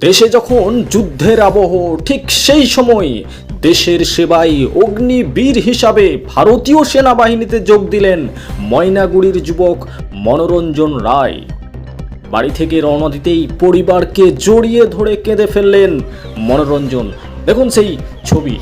দেশে যখন যুদ্ধের আবহ, ঠিক সেই সময় দেশের সেবায় অগ্নিবীর হিসাবে ভারতীয় সেনাবাহিনীতে যোগ দিলেন ময়নাগুড়ির যুবক মনোরঞ্জন রায়। বাড়ি থেকে রওনা দিতেই পরিবারকে জড়িয়ে ধরে কেঁদে ফেললেন মনোরঞ্জন। দেখুন সেই ছবি।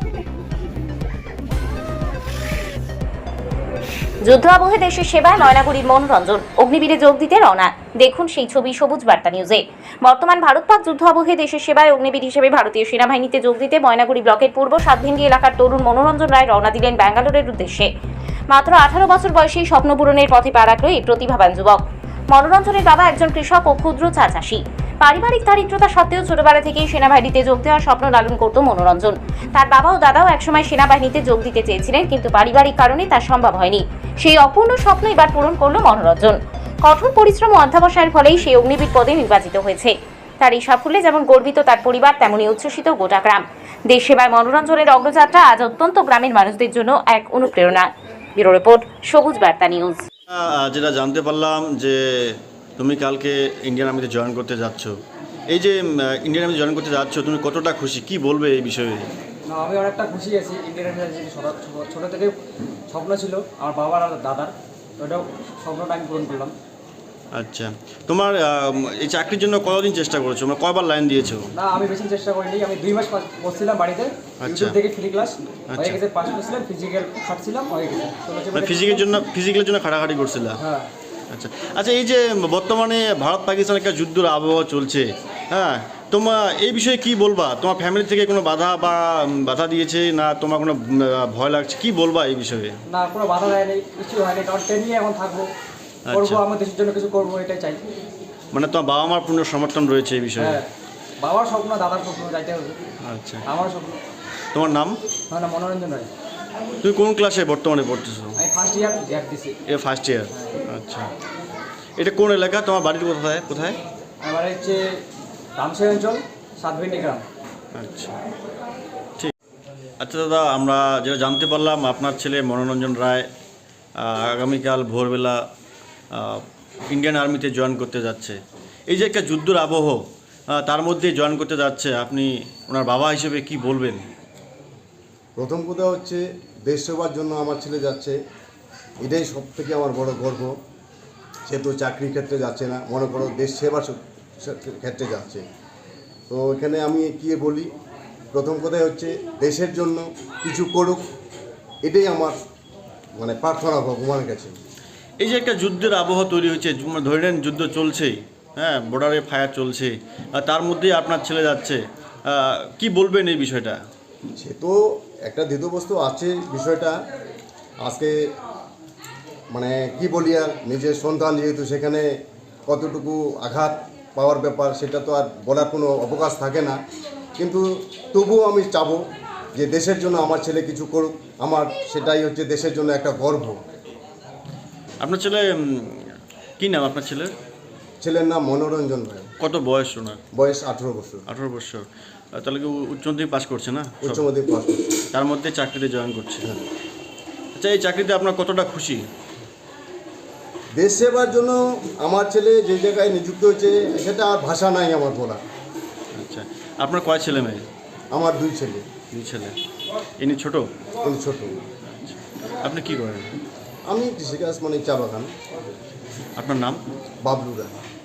যুদ্ধ আবহে দেশের সেবায় ময়নাগুড়ির মনোরঞ্জন অগ্নিবীরে যোগ দিতে রওনা। দেখুন সেই ছবি সবুজ বার্তা নিউজে। বর্তমান ভারত পাক যুদ্ধ আবহে দেশের সেবায় অগ্নিবীর হিসেবে ভারতীয় সেনাবাহিনীতে যোগ দিতে ময়নাগুড়ি ব্লকের পূর্ব সাতভেঙ্গি এলাকার তরুণ মনোরঞ্জন রায় রওনা দিলেন ব্যাঙ্গালোরের উদ্দেশ্যে। মাত্র 18 বছর বয়সী স্বপ্ন পূরণের পথে পা রাখল এই প্রতিভাবান যুবক। মনোরঞ্জনের বাবা একজন কৃষক ও ক্ষুদ্র চা চাষী। পারিবারিক দারিদ্রতা সত্ত্বেও ছোটবেলা থেকেই সেনাবাহিনীতে যোগ দেওয়ার স্বপ্ন লালন করত মনোরঞ্জন। তার বাবা ও দাদাও একসময় সেনাবাহিনীতে যোগ দিতে চেয়েছিলেন, কিন্তু পারিবারিক কারণে তা সম্ভব হয়নি। সেই অপূর্ণ স্বপ্ন এবার পূরণ করল মনোরঞ্জন। কঠোর পরিশ্রম ও অধ্যবসায়ের ফলেই সেই অগ্নিবীর পদে নির্বাচিত হয়েছে। তার এই সাফল্যে যেমন গর্বিত তার পরিবার, তেমনই উচ্ছ্বসিত গোটা গ্রাম। দেশ সেবায় মনোরঞ্জনের অগ্রযাত্রা আজ অত্যন্ত গ্রামের মানুষদের জন্য এক অনুপ্রেরণা। ব্যুরো রিপোর্ট, সবুজ বার্তা নিউজ। যেটা জানতে পারলাম যে তুমি কালকে ইন্ডিয়ান আর্মিতে জয়েন করতে যাচ্ছ। এই যে ইন্ডিয়ান আর্মিতে জয়েন করতে যাচ্ছ, তুমি কতটা খুশি, কি বলবে এই বিষয়ে? না, আমি অনেকটা খুশি আছি। ইন্ডিয়ান আর্মিতে ছোটো থেকে স্বপ্ন ছিল আমার বাবার আর দাদার, ওটাও স্বপ্নটা আমি পূরণ করলাম। আচ্ছা, তোমার এই চাকরির জন্য কতদিন চেষ্টা করেছো, মানে কয়বার লাইন দিয়েছো? না, আমি বেশি চেষ্টা করিনি। আমি 2 মাস করছিলাম বাড়িতে, ইউটিউব থেকে ফ্রি ক্লাস হয়ে গেছে, পাস করছিলাম, ফিজিক্যাল খাটছিলাম, হয়ে গেছে। ফিজিক্যালের জন্য খাটাখাটি করছিলা? হ্যাঁ। আচ্ছা আচ্ছা, এই যে বর্তমানে ভারত পাকিস্তান একটা যুদ্ধের আবহাওয়া চলছে, হ্যাঁ, তোমার এই বিষয়ে কি বলবা? তোমার ফ্যামিলি থেকে কোনো বাধা দিয়েছে না, তোমার কোনো ভয় লাগছে, কি বলবা এই বিষয়ে? না, কোনো বাধা দেয়নি, কিছু হয়নি, কারণ ট্রেনিংয়ে এখন থাকবো, করবো, আমার দেশের জন্য কিছু করবো, এটাই চাই। মানে তোমার বাবা মার পূর্ণ সমর্থন রয়েছে এই বিষয়ে? হ্যাঁ, বাবার স্বপ্ন, দাদার স্বপ্ন, যাইতে হবে। আচ্ছা, আমার স্বপ্ন। তোমার নাম? আমার নাম মনোরঞ্জন রায়। তুমি কোন ক্লাসে বর্তমানে পড়তেছো? আমি ফার্স্ট ইয়ার গ্যাপ দিছি। First year. আচ্ছা, এটা কোন এলাকা? তোমার বাড়ির কোথায় কোথায়? আমার হচ্ছে রামসাই অঞ্চল, সাতভেন্ডি গ্রাম। আচ্ছা, ঠিক। আচ্ছা দাদা, আমরা যেটা জানতে পারলাম আপনার ছেলে মনোরঞ্জন রায় আগামীকাল ভোরবেলা ইন্ডিয়ান আর্মিতে জয়েন করতে যাচ্ছে। এই যে একটা যুদ্ধের আবহ, তার মধ্যে জয়েন করতে যাচ্ছে, আপনি ওনার বাবা হিসেবে কি বলবেন? প্রথম কথা হচ্ছে দেশ সেবার জন্য আমার ছেলে যাচ্ছে, এটাই সব থেকে আমার বড় গর্ব। সে তো চাকরির ক্ষেত্রে যাচ্ছে না, মনে করো দেশ সেবার ক্ষেত্রে যাচ্ছে। তো এখানে আমি কি বলি, প্রথম কথাই হচ্ছে দেশের জন্য কিছু করুক, এটাই আমার মানে প্রার্থনা ভগবানের কাছে। এই যে একটা যুদ্ধের আবহাওয়া তৈরি হয়েছে, ধরে নেন যুদ্ধ চলছেই, হ্যাঁ, বর্ডারে ফায়ার চলছে, তার মধ্যেই আপনার ছেলে যাচ্ছে, কি বলবেন এই বিষয়টা? সে তো একটা দ্বিধাবস্তু আছে বিষয়টা। আজকে মানে কি বলি, আর নিজের সন্তান যেহেতু, সেখানে কতটুকু আঘাত পাওয়ার ব্যাপার সেটা তো আর বলার কোনো অবকাশ থাকে না। কিন্তু তবুও আমি চাবো যে দেশের জন্য আমার ছেলে কিছু করুক, আমার সেটাই হচ্ছে দেশের জন্য একটা গর্ব। আপনার ছেলে কী নাম আপনার ছেলের? ছেলের নাম মনোরঞ্জন রায়। কত বয়স ওনার? বয়স 18 বছর। 18 বছর। তাহলে কি উচ্চ মাধ্যমিক পাস করছে না? উচ্চ মাধ্যমিক পাস করছে। তার মধ্যে চাকরিতে জয়েন করছে। হ্যাঁ। আচ্ছা, এই চাকরিতে আপনার কতটা খুশি? দেশ সেবার জন্য আমার ছেলে যে জায়গায় নিযুক্ত হয়েছে, সেটা আর ভাষা নাই আমার বলা। আচ্ছা, আপনার কয় ছেলে মেয়ে? আমার 2 ছেলে। 2 ছেলে। ইনি ছোটো? কিন্তু ছোট। আপনি কি করেন? আমি কৃষিকাজ, মানে চা বাগান। আপনার নাম? বাবলু রায়।